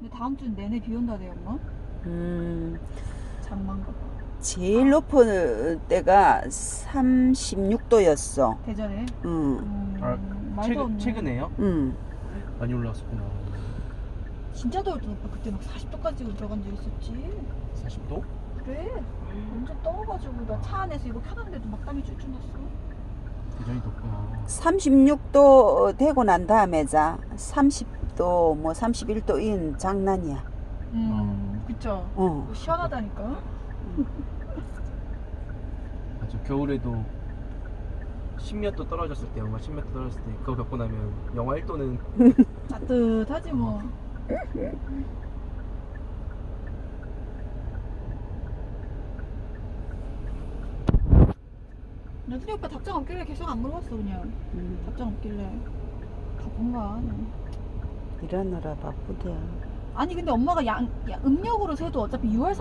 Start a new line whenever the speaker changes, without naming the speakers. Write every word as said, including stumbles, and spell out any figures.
근데 다음 주 내내 비 온다네요, 엄마.
음,
장만가 봐.
제일 높은 때가 삼십육 도였어.
대전에.
응,
음,
아,
말도
최근,
없네.
최근에요?
응.
많이 올라왔었구나.
진짜 더울 때 오빠 그때 막 사십 도까지 들어간 적 있었지.
사십 도?
그래. 완전 떠가지고 나 차 안에서 이거 켜놨는데도 막 땀이 줄줄 났어.
대전이 덥구나.
삼십육 도 되고 난 다음에 자 삼십 도 뭐 삼십일 도인 장난이야.
음, 그쵸.
어.
시원하다니까.
맞아. 겨울에도 십몇 도 떨어졌을 때, 영하 십몇 도 떨어졌을 때 그거 겪고 나면 영하 일 도는
따뜻하지 뭐. 나중에 오빠 답장 없길래 계속 안 물어봤어 그냥.
음,
답장 없길래 바쁜가.
일하느라 바쁘대.
아니 근데 엄마가 양, 야, 음력으로 세도 어차피 유월